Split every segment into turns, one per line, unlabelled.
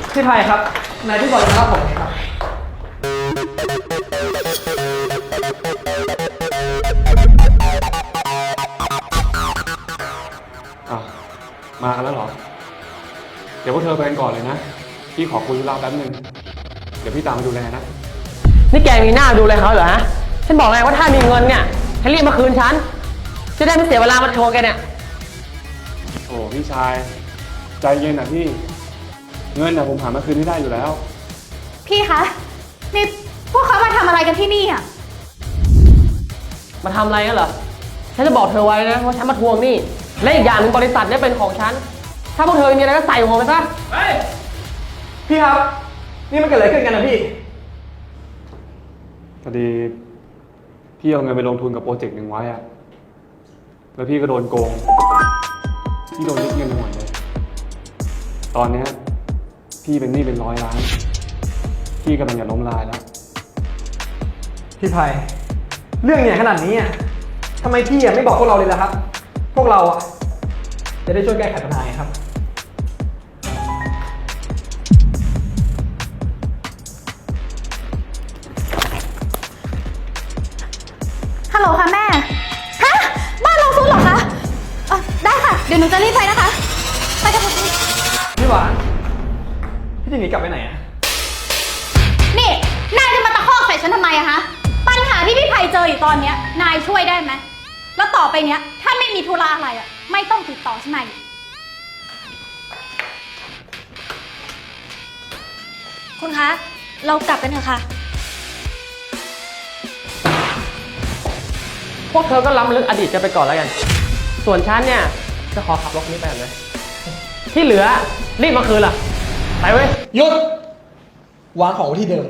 พี่ไทยครับนายที่บอกจะรับผมครับ
มากันแล้วเหรอเดี๋ยวพวกเธอไปกันก่อนเลยนะพี่ขอคุยธุระแป๊บนึงเดี๋ยวพี่ตามมาดูแลนะ
นี่แกมีหน้าดูเลยเขาเหรอฮะฉันบอกไงว่าถ้ามีเงินเนี่ยให้รีบมาคืนฉันจะได้ไม่เสียเวลามาโชว์แกเนี่ย
โอ้พี่ชายใจเย็นนะพี่เงินนะผมหามาคืนให้ได้อยู่แล้ว
พี่คะนี่พวกเขามาทำอะไรกันที่นี่อ่ะ
มาทำอะไรกันเหรอฉันจะบอกเธอไว้นะว่าฉันมาทวงหนี้และอีกอย่างหนึ่งบริษัทเนี่ยเป็นของฉันถ้าพวกเธอมีอะไรก็ใส่หัวไปซะ
เฮ้ยพี่ครับนี่มันเกิดอะไรขึ้นกันนะพี่
พอดีพี่เอาเงินไปลงทุนกับโปรเจกต์หนึ่งไว้อะแล้วพี่ก็โดนโกงพี่โดนยึดเงินไปหมดเลยตอนนี้พี่เป็นหนี้เป็น100 ล้านพี่กำลังจะล้มละลายแล้ว
พี่ไพเรื่องเนี่ยขนาดนี้อ่ะทำไมพี่ไม่บอกพวกเราเลยล่ะครับพวกเราอ่ะจะได้ช่วยแก้ไขปัญหาครับ
ฮัลโหลค่ะแม่ฮะบ้านเราซุดเหรอคะได้ค่ะเดี๋ยวหนูจะรีบไปนะคะไปกันค่ะ
พี่หวานพี่จะหนีกลับไปไหนอ่ะ
นี่นายจะมาตะคอกใส่ฉันทำไมอะฮะปัญหาที่พี่ไพเจออยู่ตอนเนี้ยนายช่วยได้ไหมแล้วต่อไปเนี้ยถ้าไม่มีธุระอะไรอะไม่ต้องติดต่อฉันมาอีก
คุณคะเรากลับกันเถอะค่ะ
พวกเธอก็ล้ำลึกอดีตกันไปก่อนแล้วกันส่วนฉันเนี่ยจะขอขับรถนี้ไปเลยที่เหลือรีบมาคืนล่ะไปเว้ย
หยุดวางของไว้ที่เดิม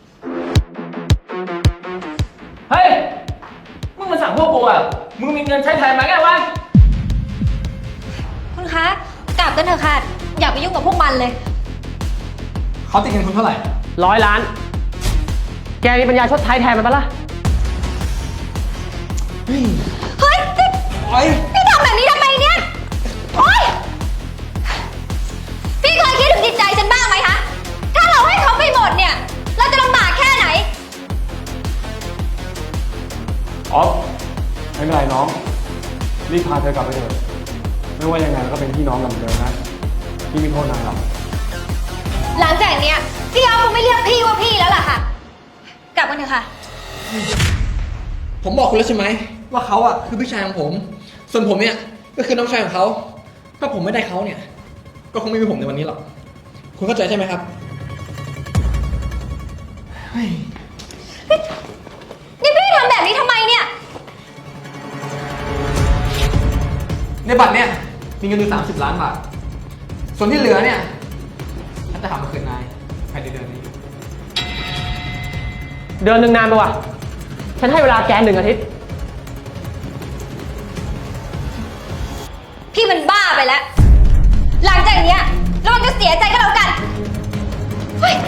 เฮ้ยมึงมาสั่งพวกกูอ่ะมึงมีเงินใช้แทนไหมแกวะ
คุณคะกลับกันเถอะค่ะอย่าไปยุ่งกับพวกมันเลย
เขาติดเงินคุณเท่าไหร่
100 ล้านแกมีปัญญาชดใช้แทนมันปะล่ะ
เฮ้ยพี่ทำแบบนี้ทำไมเนี่ยโอ๊ยพี่เคยคิดถึงจิตใจฉันบ้างไหมคะถ้าเราให้เขาไปหมดเนี่ยเราจะลำบากแค่ไหน
อ๋อไม่เป็นไรน้องรีบพาเธอกลับไปเถอะไม่ว่ายังไงเราก็เป็นพี่น้องกันเหมือนเดิมนะพี่ไม่โทษนายหรอก
หลังจากเนี้ยพี่เขาคงไม่เรียกพี่ว่าพี่แล้วล่ะค่ะกลับกันเถอะค่ะ
ผมบอกคุณแล้วใช่ไหมว่าเขาอ่ะคือพี่ชายของผมส่วนผมเนี่ยก็คือน้องชายของเขาถ้าผมไม่ได้เขาเนี่ยก็คงไม่มีผมในวันนี้หรอกคุณเข้าใจใช่ไหมครับ
นี่พี่ทำแบบนี้ทำไมเนี่ย
ในบัตรเนี่ยมีเงินอยู่30 ล้านบาทส่วนที่เหลือเนี่ยฉันจะหามาคืนนายภายในเดือนนี้
เดือนหนึ่งนานไปว่ะฉันให้เวลาแก1 อาทิตย์
พี่มันบ้าไปแล้วหลังจากเนี้ยระวังจะเสียใจก็แล้วกันเฮ้ย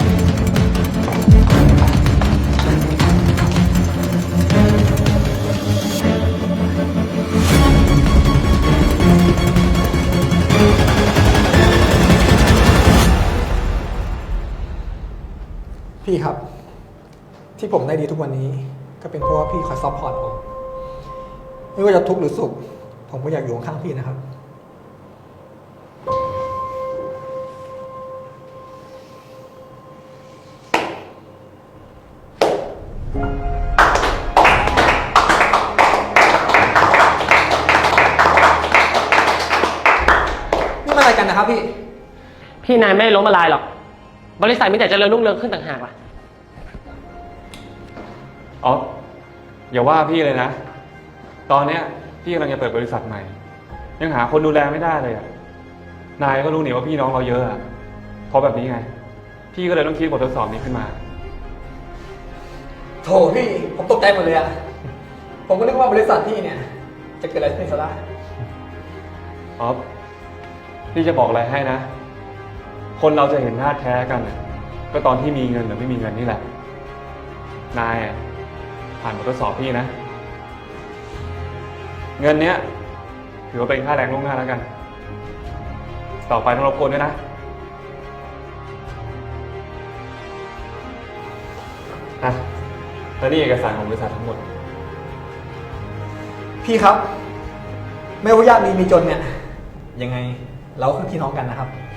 พี่ครับที่ผมได้ดีทุกวันนี้ก็เป็นเพราะว่าพี่คอยซัพพอร์ตผมไม่ว่าจะทุกข์หรือสุขผมก็อยากอยู่ข้างพี่นะครับนี่มาอะไรกันนะครับ
พี่นายไม่ล้มละลายหรอกบริษัทมีแต่เจริญรุ่งเรืองขึ้นต่างหากล่ะ
อ๋ออย่าว่าพี่เลยนะตอนเนี้ยพี่กำลังจะเปิดบริษัทใหม่ยังหาคนดูแลไม่ได้เลยอ่ะนายก็รู้นี่ว่าพี่น้องเราเยอะอ่ะเพราะแบบนี้ไงพี่ก็เลยต้องคิดบททดสอบนี้ขึ้นมา
โถพี่ผมตกใจหมดเลยอ่ะผมก็นึกว่าบริษัทพี่เนี่ยจะเกิดอะไรขึ้นซะละ
อ๋อพี่จะบอกอะไรให้นะคนเราจะเห็นหน้าแท้กันก็ตอนที่มีเงินหรือไม่มีเงินนี่แหละนายผ่านบททดสอบพี่นะเงินเนี้ยถือว่าเป็นค่าแรงล่วงหน้าแล้วกันต่อไปต้องรบกวนด้วยนะอ่ะแล้วนี่เอกสารของบริษัททั้งหมด
พี่ครับ ไม่ว่ายากดีมีจนเนี่ย ยังไงเราก็คือพี่น้องกันนะครับ